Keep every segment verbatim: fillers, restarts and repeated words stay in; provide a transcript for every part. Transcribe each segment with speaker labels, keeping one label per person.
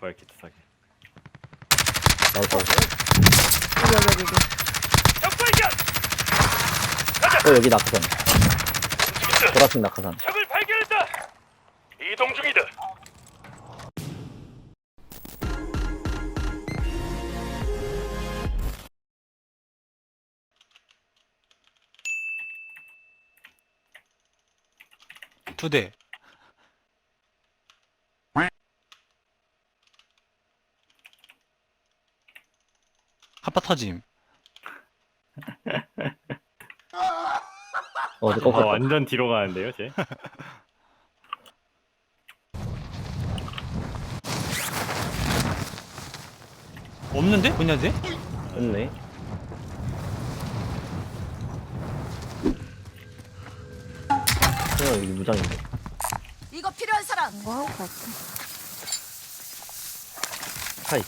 Speaker 1: 부활 키트 사기.
Speaker 2: 나왔다.
Speaker 3: 여기 여기 여기.
Speaker 4: 적발견!
Speaker 2: 어 여기 낙하산. 보라색 낙하산.
Speaker 4: 적을 발견했다! 이동 중이다!
Speaker 5: 두 대. 한파 터짐.
Speaker 2: 어, 이제
Speaker 1: 아,
Speaker 2: 꺾었다.
Speaker 1: 완전 뒤로 가는데요, 쟤?
Speaker 5: 없는데? 뭐냐 돼?
Speaker 2: 없네. 어, 여기 무장인데.
Speaker 6: 이거 필요한 사람.
Speaker 3: 이거 하고 갈게.
Speaker 2: 하이.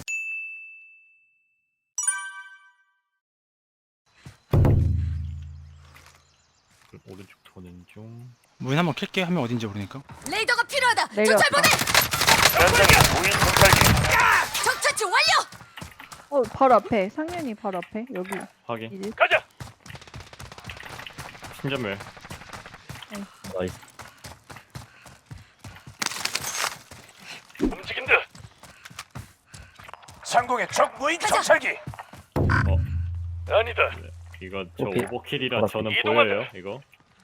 Speaker 1: 오른쪽 도는 중.
Speaker 5: 문 한번 킬게. 한 명 어딘지 모르니까.
Speaker 6: 레이더가 필요하다.
Speaker 3: 내려왔다.
Speaker 6: 조철 보내.
Speaker 4: 현장에 무인 정찰기!
Speaker 6: 적 처치 완료.
Speaker 3: 어 바로 앞에 상현이 바로 앞에 여기
Speaker 1: 확인.
Speaker 3: 이제
Speaker 4: 가자!
Speaker 1: 신전멸.
Speaker 2: 나이스.
Speaker 4: 움직인다! 상공의 적 무인 정찰기!
Speaker 1: 어,
Speaker 4: 아니다!
Speaker 1: 이거 저
Speaker 2: 오케이.
Speaker 1: 오버킬이라
Speaker 2: 알았어.
Speaker 1: 저는
Speaker 4: 이동한다.
Speaker 1: 보여요, 이거.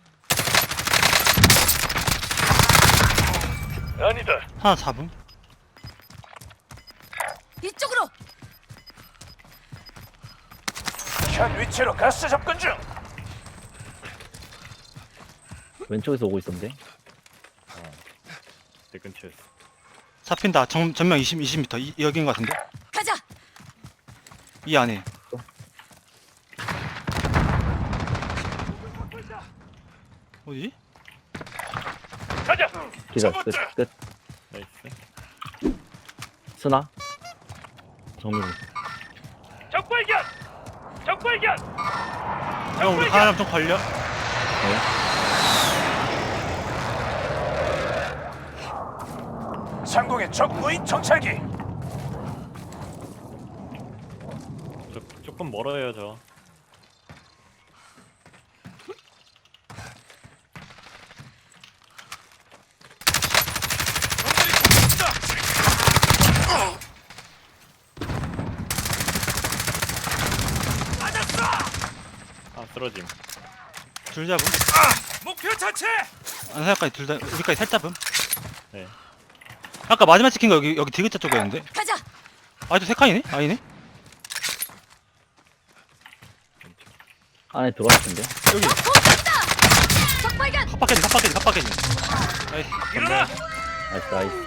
Speaker 4: 아니다!
Speaker 5: 하나 잡음.
Speaker 6: 이쪽으로.
Speaker 4: 현 위치로 가스 접근 중!
Speaker 2: 왼쪽에서 오고 있었는데.
Speaker 1: 내 근처였어.
Speaker 5: 잡힌다. 정, 전면 이십, 이십 미터. 이, 여긴 것 같은데?
Speaker 6: 가자.
Speaker 5: 이 안에. 어디?
Speaker 4: 가자!
Speaker 2: 기절. 끝. 끝.
Speaker 1: 나이스.
Speaker 2: 스나. 정민이.
Speaker 4: 적 발견! 적 발견!
Speaker 5: 형, 우리 하나 좀 걸려?
Speaker 2: 네.
Speaker 4: 상공의 적 무인 정찰기!
Speaker 1: 저, 조금 멀어요, 저. 아, 쓰러짐.
Speaker 5: 둘 잡음.
Speaker 4: 목표 자체!
Speaker 5: 안사까지 둘 다, 여기까지 살 잡음.
Speaker 1: 네.
Speaker 5: 아까 마지막 찍힌 거 여기, 여기 디귿자 쪽이었는데?
Speaker 6: 가자.
Speaker 5: 아직도 세 칸이네? 아니네?
Speaker 2: 안에 들어왔을 텐데.
Speaker 5: 여기.
Speaker 6: 공격다. 적 발견.
Speaker 5: 컵바켓이, 컵바켓이, 컵바켓이. 나이스.
Speaker 4: 일어나!
Speaker 2: 나이스, 나이스.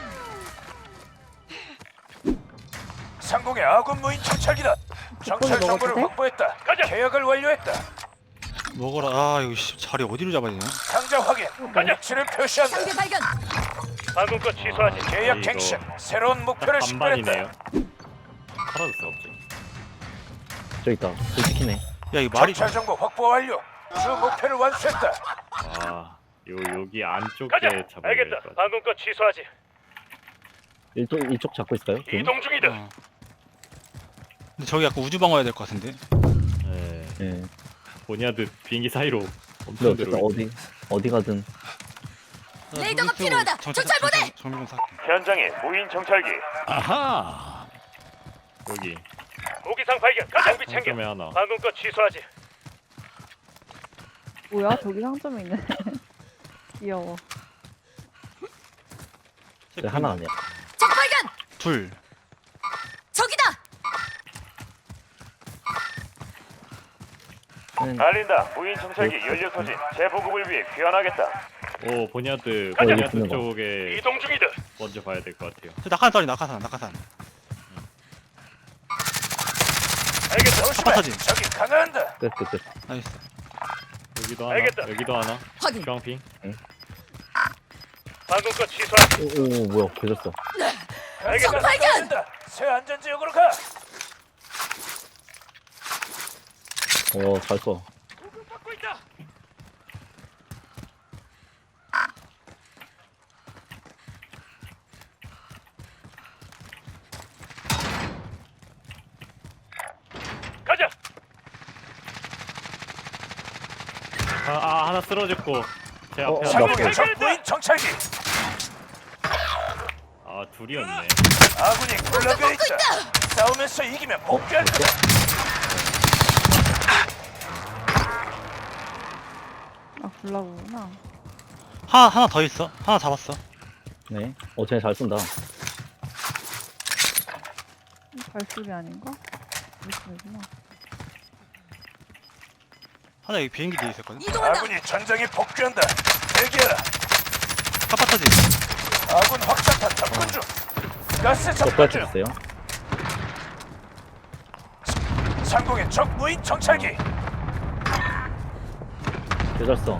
Speaker 4: 상공의 아군 무인 정찰기다! 정찰
Speaker 3: 먹어도
Speaker 4: 정보를
Speaker 3: 돼?
Speaker 4: 확보했다! 가자! 계약을 완료했다!
Speaker 5: 먹어라. 아, 이거 씨, 자리 어디로 잡아야 되냐?
Speaker 4: 상자 확인! 가자! 위치를 표시한다!
Speaker 6: 상대 발견.
Speaker 4: 방금 거 취소하지! 계약
Speaker 1: 이거
Speaker 4: 갱신! 새로운 목표를 식별했다!
Speaker 1: 반반이네요. 사라졌어, 갑자기.
Speaker 2: 저기 있다. 불 찍히네.
Speaker 5: 야, 이거 말이.
Speaker 4: 정찰 정보 확보 완료! 주 목표를 완수했다!
Speaker 1: 아, 요, 여기 안쪽에
Speaker 4: 가자!
Speaker 1: 잡아야
Speaker 4: 알겠다!
Speaker 1: 될것 같아.
Speaker 4: 방금 거 취소하지!
Speaker 2: 이쪽, 이쪽 잡고 있을까요? 지금?
Speaker 4: 이동 중이다!
Speaker 5: 어. 근데 저기 약간 우주방 와야 될 것 같은데?
Speaker 1: 네.
Speaker 2: 네.
Speaker 1: 보냐드 비행기 사이로
Speaker 2: 근데
Speaker 1: 엄청
Speaker 2: 어쨌든
Speaker 1: 들어오고
Speaker 2: 어디, 어디 가든.
Speaker 6: 레이더가 필요하다. 조철 보내!
Speaker 5: 정밀 좀 살게.
Speaker 4: 현장에 무인 정찰기!
Speaker 1: 아하! 여기
Speaker 4: 무기상 발견! 장비 챙겨!
Speaker 1: 상점에 하나.
Speaker 4: 방금 거 취소하지!
Speaker 3: 뭐야 저기 상점에 있네. 귀여워.
Speaker 2: 네, 하나 아니야.
Speaker 6: 적 발견.
Speaker 5: 둘.
Speaker 6: 적이다.
Speaker 2: 는
Speaker 4: 알린다! 무인 정찰기 연료 소진! 재보급을 위해 귀환하겠다!
Speaker 1: 오, 보냐드
Speaker 2: 어, 여기
Speaker 1: 보냐드
Speaker 2: 있는 거.
Speaker 1: 쪽에
Speaker 4: 이동 중이다!
Speaker 1: 먼저 봐야 될 것 같아요.
Speaker 5: 저 낙하산 떨리 낙하산, 낙하산.
Speaker 4: 알겠다! 조심해!
Speaker 5: 터진.
Speaker 4: 적이 강화한다!
Speaker 2: 끝, 끝, 끝.
Speaker 5: 나이스.
Speaker 1: 여기도 하나.
Speaker 4: 알겠다.
Speaker 1: 여기도 하나.
Speaker 6: 확인.
Speaker 1: 주황핑.
Speaker 4: 방금 거 취소하지!
Speaker 2: 오, 오, 오, 뭐야. 계졌어.
Speaker 4: 알겠다!
Speaker 6: 적 발견!
Speaker 4: 강화한다. 새 안전지역으로 가!
Speaker 2: 어, 잘 써.
Speaker 4: 공격받고 있다!
Speaker 1: 하나 쓰러졌고 제
Speaker 2: 어,
Speaker 1: 앞에
Speaker 2: 어,
Speaker 1: 하나.
Speaker 2: 나-
Speaker 4: 상공의 적 무인 정찰기.
Speaker 1: 아 둘이었네.
Speaker 4: 아군이 굴러가 있다. 싸우면서 이기면 복귀할 거다.
Speaker 3: 아 굴라구나.
Speaker 5: 하나 하나 더 있어. 하나 잡았어.
Speaker 2: 네. 어, 쟤 잘 쏜다.
Speaker 3: 발소리 아닌가? 무슨이구나.
Speaker 5: 하나 여기 비행기 뒤에 있었거든.
Speaker 6: 이동한다.
Speaker 4: 아군이 전장에 복귀한다. 대기하라.
Speaker 5: 카파터지.
Speaker 4: 아군 확산탄 접근 중. 가스 접근
Speaker 2: 적발
Speaker 4: 중.
Speaker 2: 했어요.
Speaker 4: 상공의 적 무인 정찰기.
Speaker 2: 개잘 써.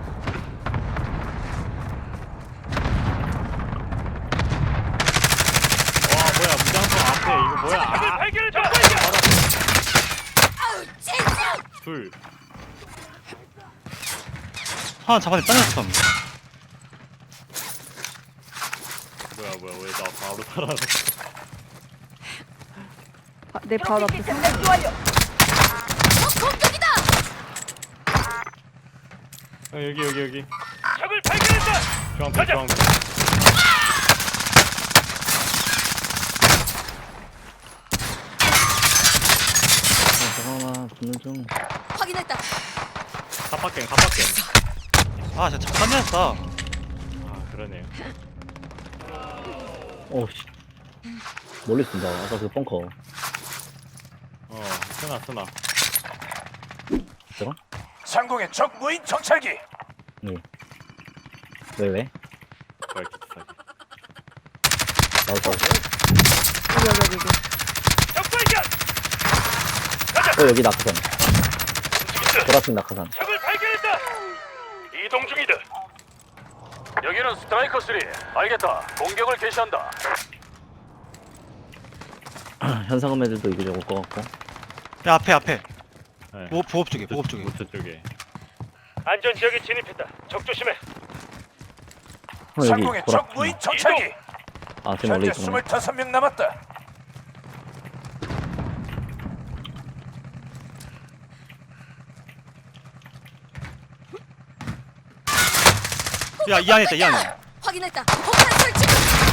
Speaker 1: 와 뭐야 무장성 앞에 이거 뭐야? 아,
Speaker 4: 발견했다.
Speaker 6: 아우 진짜.
Speaker 1: 둘.
Speaker 5: 하나 잡았는데 딴 녀석.
Speaker 1: 뭐야 뭐야 왜 나 바로 살아났어?
Speaker 3: 바, 내 바로 앞에 상
Speaker 6: 적 공격이다.
Speaker 1: 어, 여기 여기 여기.
Speaker 4: 적을 발견했다.
Speaker 1: 중앙편 중앙편.
Speaker 2: 어, 잠깐만, 붙는 중.
Speaker 6: 확인했다.
Speaker 1: 갑박갱 갑박갱.
Speaker 5: 아 진짜 잠깐 냈어.
Speaker 1: 아 그러네요.
Speaker 2: 어, 씨. 멀리 쏜다. 아까 그 벙커.
Speaker 1: 어 쓰나 쓰나.
Speaker 2: 제가?
Speaker 4: 상공의 적 무인 정찰기.
Speaker 2: 네. 왜, 왜?
Speaker 1: 뭐야 기사기.
Speaker 2: 나도 써.
Speaker 3: 여기 여기 여기.
Speaker 4: 적 발견.
Speaker 2: 어, 여기 낙하산. 보라색 낙하산.
Speaker 4: 적을 발견했다. 이동 중이다. 여기는 스트라이커 쓰리. 알겠다. 공격을 개시한다.
Speaker 2: 현상금 애들도 이거 적을 것 같고.
Speaker 5: 야 앞에 앞에.
Speaker 1: 네.
Speaker 5: 보급 보급 쪽에 보급 쪽에.
Speaker 1: 우측 쪽에.
Speaker 4: 안전 지역에 진입했다. 적 조심해.
Speaker 2: 어, 여기
Speaker 4: 상공의 적
Speaker 2: 보라.
Speaker 4: 무인 정찰기.
Speaker 2: 아, 쟤 멀리
Speaker 4: 현재
Speaker 2: 있구나.
Speaker 4: 스물다섯 명 남았다.
Speaker 5: 야 이 안에 있다 이 안에.
Speaker 6: 확인했다. 폭탄 설치.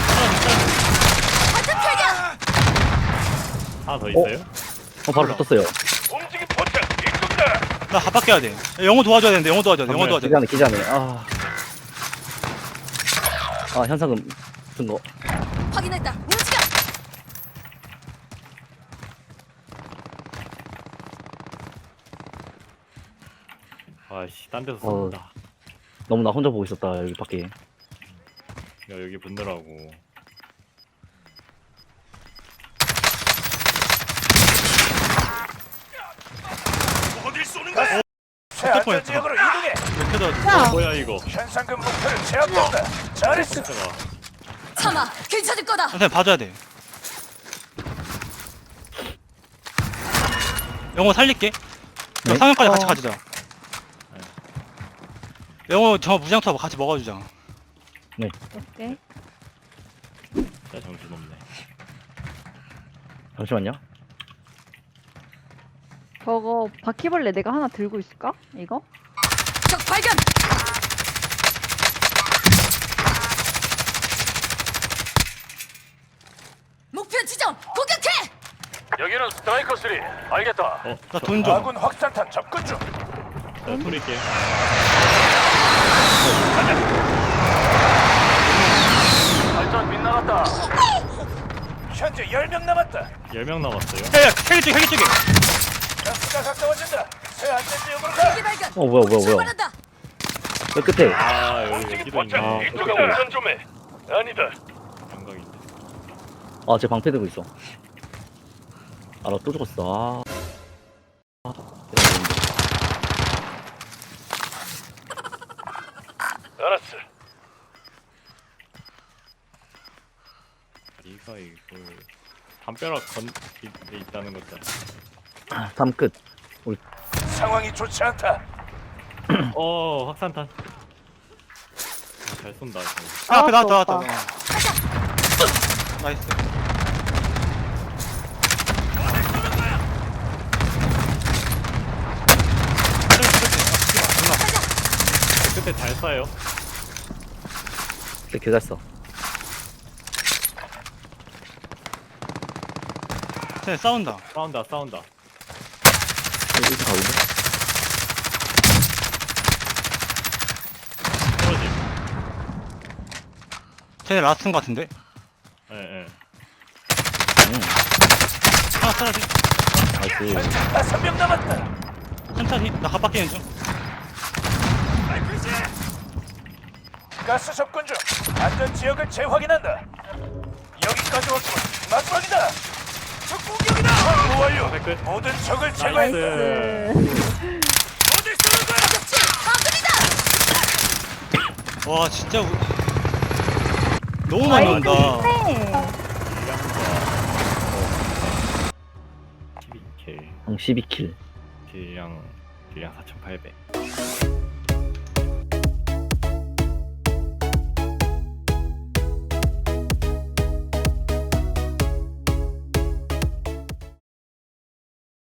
Speaker 6: 완전 발견.
Speaker 1: 하나 더 있어요?
Speaker 2: 어, 바로 붙었어요.
Speaker 4: 움직임 포착. 이쪽이다.
Speaker 5: 나 갑박해야 돼. 야, 영어 도와줘야 되는데 영어 도와줘야 돼. 영어 도와줘야 돼.
Speaker 2: 기자네, 기자네. 아. 아, 현상금 붙은 거.
Speaker 6: 확인했다. 움직여.
Speaker 1: 아씨 딴 데서
Speaker 2: 어.
Speaker 1: 쏜다.
Speaker 2: 너무 나 혼자 보고 있었다, 여기 밖에.
Speaker 1: 야 여기 붙느라고.
Speaker 4: 어딜 쏘는 거야? 최안전
Speaker 5: 뻔했다.
Speaker 4: 지역으로 이동해.
Speaker 5: 이렇게 도와줘.
Speaker 3: 야.
Speaker 1: 뭐야 이거?
Speaker 4: 현상금 목표를 제압한다. 잘했어.
Speaker 1: 진짜가.
Speaker 6: 참아. 괜찮을 거다.
Speaker 5: 선생님 봐줘야 돼. 영어 살릴게.
Speaker 2: 네?
Speaker 5: 상현까지 같이
Speaker 3: 어.
Speaker 5: 가주자. 영어 저 무장투하고 같이 먹어주자.
Speaker 3: 오케이.
Speaker 1: 진짜 정신없네.
Speaker 2: 잠시만요.
Speaker 3: 저거 바퀴벌레 내가 하나 들고 있을까? 이거?
Speaker 6: 적 발견. 목표 지점 공격해.
Speaker 4: 여기는 스트라이커 쓰리. 알겠다.
Speaker 1: 어?
Speaker 5: 나 돈 줘.
Speaker 4: 아군 확산탄 접근 중.
Speaker 1: 자 돌릴게.
Speaker 4: 발전 빗나갔다. 현재 열 명 남았다.
Speaker 1: 열 명 남았어요.
Speaker 5: 야야 헬기 쪽에 헬기 쪽에.
Speaker 4: 가스가 가까워진다. 새 안전 지역으로 가.
Speaker 6: 헬기 발견.
Speaker 2: 어, 뭐야, 뭐야, 뭐야.
Speaker 6: 출발한다.
Speaker 2: 저 끝에.
Speaker 1: 아 여기
Speaker 4: 움직임
Speaker 1: 여기도 있네.
Speaker 4: 포착.
Speaker 1: 아,
Speaker 4: 이쪽에 운전 좀 해. 아니다.
Speaker 1: 영광인데.
Speaker 2: 아, 쟤 방패 들고 있어. 아, 나 또 죽었어. 아. 아,
Speaker 4: 알았어.
Speaker 1: 다리가 이걸 담벼락 건 이- 있다는 거잖아.
Speaker 2: 다음 끝.
Speaker 4: 상황이 좋지 않다.
Speaker 1: 어 확산탄. 아, 잘 쏜다. 지금.
Speaker 5: 야, 앞에
Speaker 3: 아,
Speaker 5: 나왔다
Speaker 3: 또
Speaker 5: 나왔다. 어. 나이스.
Speaker 1: 끝에 잘 쏴요.
Speaker 2: 근데 개잘 써.
Speaker 5: 쟤 싸운다.
Speaker 1: 싸운다 싸운다.
Speaker 2: 여기 가보자.
Speaker 1: 떨어짐.
Speaker 5: 쟤 라스트인 것 같은데.
Speaker 1: 예예.
Speaker 2: 응.
Speaker 5: 하나 쓰러지.
Speaker 2: 나이스.
Speaker 4: 다섯 명 남았다.
Speaker 5: 천천히. 나 갑박기는 중.
Speaker 4: 가스 접근 중. 안전 지역을 재확인한다. 여기까지 왔군. 마지막이다. 적 공격이다. 확보 완료.
Speaker 1: 끝.
Speaker 4: 모든 적을 제거했다.
Speaker 1: 나이스.
Speaker 3: 네.
Speaker 4: 어딜 쏘는 거야?
Speaker 6: 아군이다.
Speaker 5: 와 진짜 우... 너무 많이 온다.
Speaker 3: 네.
Speaker 1: 십이 킬.
Speaker 2: 형 십이 킬.
Speaker 1: 딜량 딜량 사천팔백.